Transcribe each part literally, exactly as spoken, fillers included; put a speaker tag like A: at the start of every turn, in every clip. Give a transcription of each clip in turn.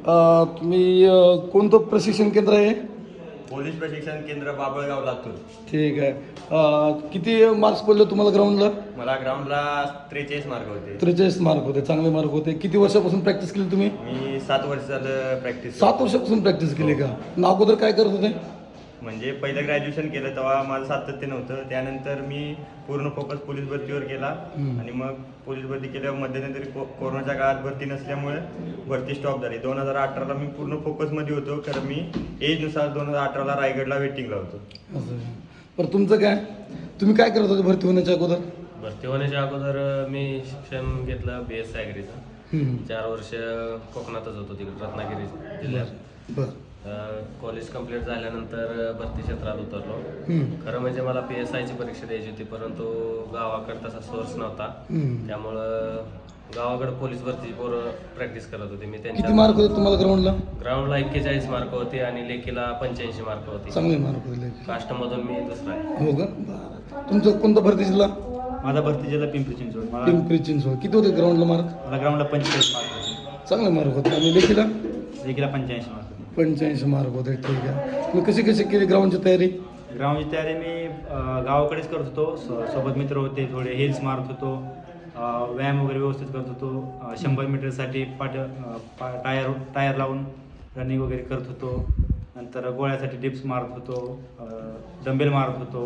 A: अ, तुम्ही अ, कोणतं प्रशिक्षण केंद्र आहे?
B: पोलीस प्रशिक्षण केंद्र बाबळगाव लातूर.
A: ठीक आहे. अ, किती मार्क्स पडले तुम्हाला ग्राउंडला?
B: मला ग्राउंडला त्रेचाळीस मार्क होते.
A: त्रेचाळीस मार्क होते, चांगले मार्क होते. किती वर्षापासून प्रॅक्टिस केली तुम्ही?
B: मी सात वर्ष झालं प्रॅक्टिस.
A: सात वर्षापासून प्रॅक्टिस केली का? ना अगोदर काय करत होते?
B: म्हणजे पहिलं ग्रॅज्युएशन केलं तेव्हा माझं सातत्य नव्हतं. त्यानंतर मी पूर्ण फोकस पोलीस भरतीवर केला आणि मग पोलीस भरती केल्यावर मध्यंतरी को कोरोनाच्या काळात भरती नसल्यामुळे भरती स्टॉप झाली. दोन हजार अठराला मी पूर्ण फोकसमध्ये होतो, कारण मी एजनुसार दोन हजार अठराला रायगडला वेटिंगला होतो.
A: असं. बरं तुमचं काय? तुम्ही काय करत होते भरती होण्याच्या अगोदर?
C: भरती होण्याच्या अगोदर मी शिक्षण घेतलं बी एस ॲग्रीचं. चार वर्ष कोकणातच होतो, तिकडे रत्नागिरी जिल्ह्यात.
A: बरं.
C: कॉलेज कंप्लीट झाल्यानंतर भरती क्षेत्रात उतरलो. खरं म्हणजे मला पी एस आयची परीक्षा द्यायची होती, परंतु गावाकडे तसा सोर्स नव्हता. त्यामुळं गावाकडे पोलीस भरतीची पोरं प्रॅक्टिस करत होते. मी
A: किती
C: त्यांच्या
A: मार्क होते तुम्हाला ग्राउंडला?
C: ग्राउंडला एक्केचाळीस मार्क होते आणि लेखीला पंच्याऐंशी मार्क होते.
A: चांगले मार्क होते.
C: कास्टमधून मी दुसरा आहे.
A: हो का? बरं. तुमचं कोणता भरती जिल्हा?
D: माझा भरती जिल्हा पिंपरी चिंचवड. मला
A: पिंपरी चिंचवड. किती होते ग्राउंडला मार्क?
D: मला ग्राउंडला पंचेचाळीस मार्क होते.
A: चांगले मार्क होते. आणि लेखीला?
D: लेखीला पंच्याऐंशी मार्क होते.
A: पंच्याऐंशी मार्क होते. ठीक आहे. मी कशी कशी केली ग्राउंडची तयारी?
D: ग्राउंडची तयारी मी अं, गावाकडेच करत होतो. सो- सोबत मित्र होते, थोडे हिल्स मारत होतो, अं, व्यायाम वगैरे व्यवस्थित करत होतो. अं, शंभर मीटरसाठी पाट अं, पा टायर टायर लावून रनिंग वगैरे करत होतो. नंतर गोळ्यासाठी डिप्स मारत होतो, अं, डंबेल मारत होतो.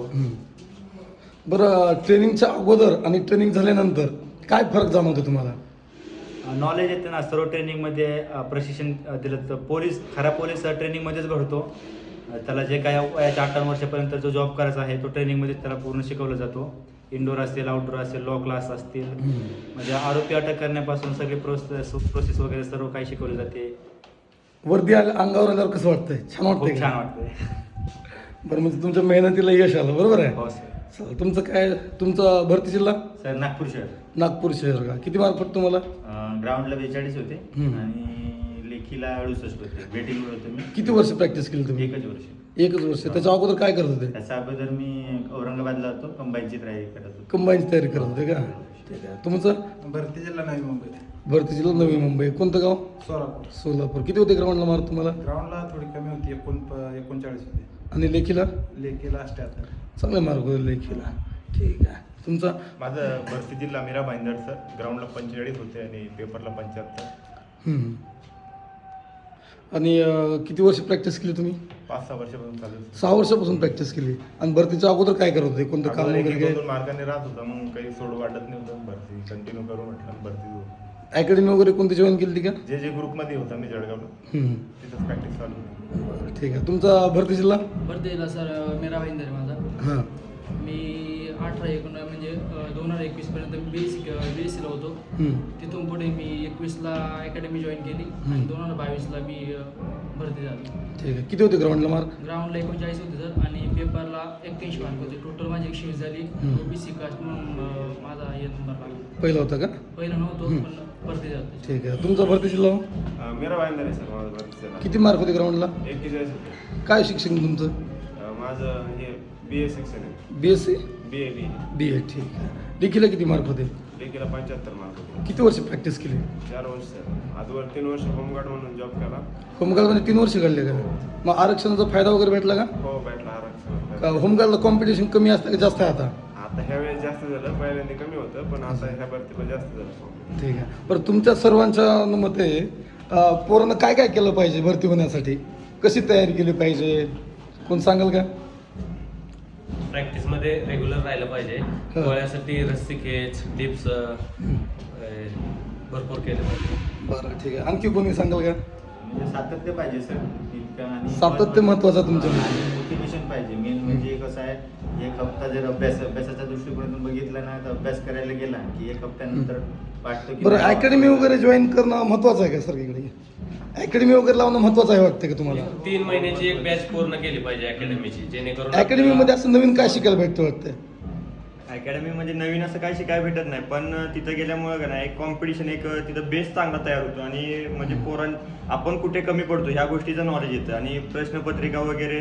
A: बरं, ट्रेनिंगच्या अगोदर आणि ट्रेनिंग झाल्यानंतर काय फरक जाणवतो तुम्हाला?
D: नॉलेज येते ना सर्व ट्रेनिंगमध्ये. अ, प्रशिक्षण अ, दिलं तर पोलीस खरा पोलीस अ, ट्रेनिंगमध्येच घडतो. अ, त्याला जे काय वयाच्या अठ्ठावन्न वर्षापर्यंत जो जॉब करायचा आहे तो ट्रेनिंगमध्येच त्याला पूर्ण शिकवलं जातो. इंडोर असेल, आउटडोर असेल, लॉ क्लास असतील, म्हणजे आरोपी अटक करण्यापासून सगळे प्रोसेस प्रोसेस वगैरे सर्व काही शिकवले जाते.
A: वर्दी आल्या अंगावर आल्यावर कसं वाटतंय? छान वाटतंय
D: खूप
A: का?
D: छान वाटते.
A: बरं, म्हणजे तुमच्या मेहनतीला यश आलं, बरोबर आहे?
D: हो सर.
A: चालेल. तुमचं काय, तुमचा भरती जिल्हा?
D: सर नागपूर शहर.
A: नागपूर शहर का? किती मार्क पडत तुम्हाला?
D: ग्राउंडला बेचाळीस होते
A: हम्म.
D: आणि लेखीला अडुसष्ट होते. वेटिंगवर होते मी.
A: किती वर्ष प्रॅक्टिस केली तुम्ही?
D: एकच वर्ष.
A: एकच वर्ष. त्याच्या अगोदर काय करत होते?
D: त्याच्या अगोदर मी औरंगाबादला होतो, कंबाईनची तयारी करत होतो.
A: कंबाईनची तयारी करत होते का? ठीक आहे. तुमचं?
E: भरती जिल्हा नवी मुंबई.
A: भरती जिल्हा नवी मुंबई. कोणतं गाव?
E: सोलापूर.
A: सोलापूर. किती होते ग्राउंडला मार्क तुम्हाला?
E: ग्राउंडला थोडी कमी होती, एकोण एकोणचाळीस होते.
A: आणि लेखीला?
E: लेखीला अष्ट्याहत्तर.
A: चांगले मार्क होते लेखीला. ठीक आहे. तुमचा?
F: माझं भरती जिल्हा मीरा भाईंदर सर. ग्राउंडला पंचेचाळीस होते आणि पेपरला पंच्याहत्तर.
A: हम्म. आणि अं, किती वर्ष प्रॅक्टिस केली तुम्ही?
F: पाच सहा वर्षापासून चालू आहे.
A: सहा वर्षापासून प्रॅक्टिस केली. आणि भरतीच्या अगोदर काय करत होते? कोणतं काम
F: अगोदर एक
A: वगैरे
F: एक
A: काय?
F: दोन मार्गाने राहत होता, मग काही सोडू वाटत नव्हतं. भरती कंटिन्यू करू म्हटलं, भरती जाऊ.
A: अकॅडमी वगैरे कोणती जॉईन केली का?
F: जे जे ग्रुपमध्ये होता मी जळगावला,
A: हम्म.
F: तिथंच प्रॅक्टिस चालू होती.
A: ठीक आहे. तुमचा भरती जिल्हा?
G: भरतीला सर मेरा भाईंदर आहे माझा.
A: हां.
G: मी अठरा एकोण म्हणजे दोन हजार एकवीसपर्यंत B S C B S सीला होतो.
A: हम्म.
G: तिथून पुढे मी एकवीसला अकॅडमी जॉईन केली आणि दोन हजार बावीसला मी अ, भरती झालो.
A: ठीक आहे. किती होते ग्राउंडला मार्क?
G: ग्राउंडला एकोणचाळीस होते सर आणि पेपरला एक्क्याऐंशी मार्क होते. टोटल माझी एकशे वीस झाली. ओ बी सी कास्ट म्हणून अ, माझा हे नंबर लागला.
A: पहिला होता का?
G: पहिला नव्हतो पण भरती झाली.
A: ठीक आहे. तुमचा भरती जिल्हा?
F: अं, मीरा भाईंदर आहे सर माझं भरती जिल्हा.
A: किती मार्क होते ग्राउंडला?
F: एक्केचाळीस होते.
A: काय शिक्षण तुमचं?
F: अं, माझं हे बी ए सेक्शन आहे.
A: B S C?
F: B A B
A: B A. ठीक आहे. लेखीला किती मार्क होते?
F: लेखीला पंच्याहत्तर मार्क होते.
A: किती वर्ष प्रॅक्टिस केली?
F: चार वर्ष सर. आजवर तीन वर्ष होमगार्ड म्हणून जॉब केला.
A: होमगार्डमध्ये तीन वर्ष काढले का? मग आरक्षणाचा फायदा वगैरे भेटला का?
F: हो, भेटला आरक्षण.
A: का होमगार्डला कॉम्पिटिशन कमी असतं का जास्त आहे आता?
F: आता ह्या वेळेस जास्त झालं, पहिल्यांदा कमी होतं, पण आता ह्या भरतीला जास्त झालं.
A: ठीक आहे. बरं, तुमच्या सर्वांच्या मते अं, पोरांना काय काय केलं पाहिजे भरती होण्यासाठी? कशी तयारी केली पाहिजे? कोण सांगाल का?
C: प्रॅक्टिसमध्ये रेग्युलर राहिलं पाहिजे.
A: हा.
C: गोळ्यासाठी रस्सी खेच, डिप्स भरपूर केले पाहिजे.
A: बरं, ठीक आहे. आणखी कोणी सांगाल का?
D: म्हणजे सातत्य पाहिजे सर. इतकं आणि
A: सातत्य महत्त्वाचं तुमच्या
D: आणि मोटिवेशन पाहिजे. मेन म्हणजे कसं आहे, एक हप्ता जर अभ्यास अभ्यासाच्या दृष्टिकोनातून बघितला ना तर अभ्यास करायला गेला की एक हप्त्यानंतर वाटतं की
A: बरं, अकॅडमी वगैरे जॉईन करणं महत्त्वाचं आहे का सर इकडे? अकॅडमी वगैरे लावणं महत्त्वाचं आहे वाटतं का तुम्हाला?
C: तीन महिन्याची एक बॅच पूर्ण केली पाहिजे अकॅडमीची, जेणेकरून
A: अकॅडमीमध्ये असं नवीन काय शिकायला भेटतं वाटतं?
B: अकॅडमी म्हणजे नवीन असं काही शिकायला भेटत नाही, पण तिथं गेल्यामुळं का नाही एक कॉम्पिटिशन, एक तिथं बेस चांगला तयार होतो आणि म्हणजे पोरां आपण कुठे कमी पडतो ह्या गोष्टीचं नॉलेज येतं आणि प्रश्नपत्रिका वगैरे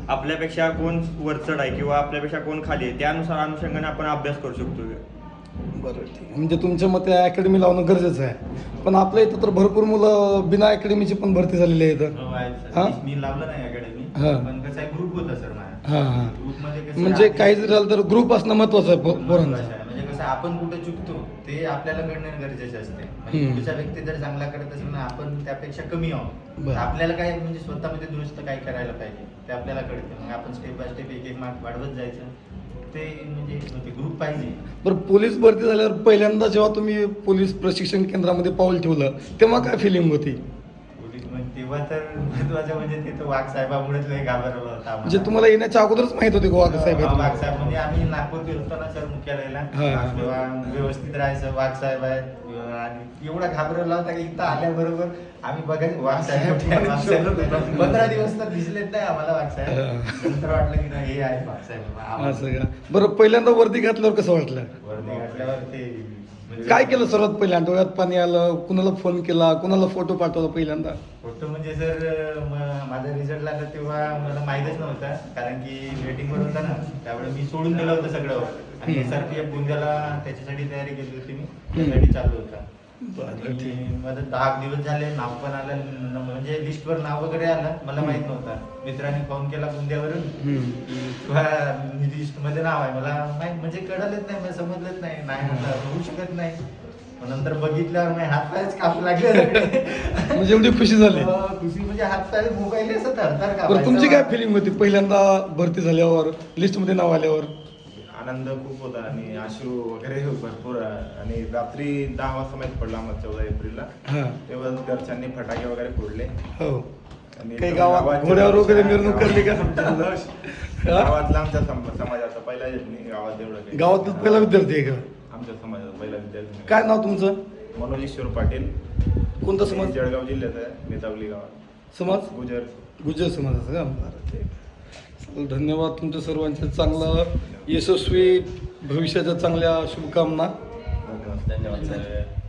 B: आपल्यापेक्षा कोण वरचढ आहे किंवा आपल्यापेक्षा कोण खाली आहे त्यानुसार अनुषंगाने आपण अभ्यास करू शकतो.
A: बरं ठीक आहे. म्हणजे तुमच्या मते अकॅडमी लावणं गरजेचं आहे, पण आपल्या इथं तर भरपूर मुलं बिना अकॅडमीची पण भरती झालेली आहेत.
H: हो, आहेत सर.
A: हा?
H: मी- मी लावलं नाही अकॅडमी,
A: हा.
H: पण कसं आहे ग्रुप होता सर माझा.
A: हां हां
H: ग्रुपमध्ये कसं
A: म्हणजे
H: आपली-
A: काही जरी झालं तर ग्रुप असणं महत्त्वाचं आहे पो- पोरांचं.
H: महत्त्वाचं आहे. म्हणजे कसं आपण कुठे चुकतो ते आपल्याला कळणं गरजेचे असते. म्हणजे
A: हम्म.
H: पुढचा व्यक्ती जर चांगला करत असेल ना, आपण त्यापेक्षा कमी आहोत,
A: बरं.
H: तर आपल्याला काय म्हणजे स्वतःमध्ये दुरुस्त काय करायला पाहिजे ते आपल्याला कळते. मग आपण स्टेप बाय स्टेप एक एक मार्क वाढवत जायचं. ते म्हणजे ग्रुप पाहिजे.
A: बरं, पोलीस भरती झाल्यावर पहिल्यांदा जेव्हा तुम्ही पोलीस प्रशिक्षण केंद्रामध्ये पाऊल ठेवलं तेव्हा काय फिलिंग होती?
H: पोलीस मग तेव्हा तर महत्वाचं म्हणजे तिथं वाघ साहेबामुळेच लय घाबरला होता आम्हाला.
A: म्हणजे तुम्हाला येण्याच्या अगोदरच माहित होते गोवा साहेब
H: हा, वाघ
A: आहेत?
H: साहेब म्हणजे आम्ही नागपूर गेलो ना सर मुख्यालयाला,
A: हा.
H: तेव्हा व्यवस्थित राहायचं, वाघ साहेब आहे आणि एवढा घाबरवला होता की इथं आल्याबरोबर आम्ही बघायचं वाघ साहेब कुठे आहे, वाघ साहेब कुठे आहे. पंधरा दिवस तर दिसलेच नाही आम्हाला वाघ साहेब. नंतर वाटलं की नाही हे आहे वाघ साहेब. आम्हाला
A: असं का? बरं, पहिल्यांदा वर्दी घातल्यावर कसं वाटलं?
H: वर्दी घातल्यावर ते म्हणजे
A: काय केलं सर्वात पहिल्यांदा? डोळ्यात पाणी आलं, कुणाला फोन केला, कुणाला फोटो पाठवला पहिल्यांदा?
H: फोटो म्हणजे सर म- माझा रिझल्ट लागला तेव्हा मला माहीतच नव्हता, कारण की वेटिंगवर होता ना, त्यावेळेस मी सोडून दिलं होतं सगळं आणि
A: हम्म.
H: एस आर पी एफ गोंदियाला त्याच्यासाठी तयारी केली होती मी, त्यासाठी चालू होता.
A: बरं, ठीक.
H: आणि माझं दहा दिवस झाले, नाव पण आलं, न- म्हणजे लिस्टवर नाव वगैरे आलं, मला माहित नव्हतं. मित्रांनी फोन केला गोंदियावरून
A: हम्म.
H: की तुझ्या लिस्ट मध्ये नाव आहे. मला माहित म्हणजे कळलंच नाही, मला समजलंच नाही, नाही म्हटलं होऊ शकत नाही. मग नंतर बघितल्यावर माझे हात पायच कापू लागले सगळे.
A: म्हणजे एवढी खुशी झाली.
H: हो, खुशी म्हणजे हात पाय मोबाईल असं थरथर का
A: बरं, तुमची काय फिलिंग होती पहिल्यांदा भरती झाल्यावर, लिस्टमध्ये नाव आल्यावर?
F: आनंद खूप होता आणि अश्रू वगैरे भरपूर. आणि रात्री दहा वाजता माहीत पडला आम्हाला चौदा एप्रिलला.
A: हां.
F: तेव्हा घरच्यांनी फटाके वगैरे फोडले
A: हो.
F: आणि
A: काही गावात घोड्यावर वगैरे मिरवणूक करली का? हा?
F: गावातला आमच्या सम- समाजाचा पहिला नाही गावात एवढं काही.
A: गावातच पहिला विद्यार्थी आहे का?
F: आमच्या समाजाचा पहिला विद्यार्थी.
A: काय नाव तुमचं?
F: मनोज ईश्वर पाटील.
A: कोणता समाज?
F: जळगाव जिल्ह्यात आहे, नेतावली गावात.
A: समाज?
F: गुजर.
A: गुजर समाजाचं का? बरं, ठीक. चला, धन्यवाद तुमच्या सर्वांचे. चांगलं यशस्वी भविष्याच्या चांगल्या शुभकामना.
F: धन्यवाद.
C: धन्यवाद सर.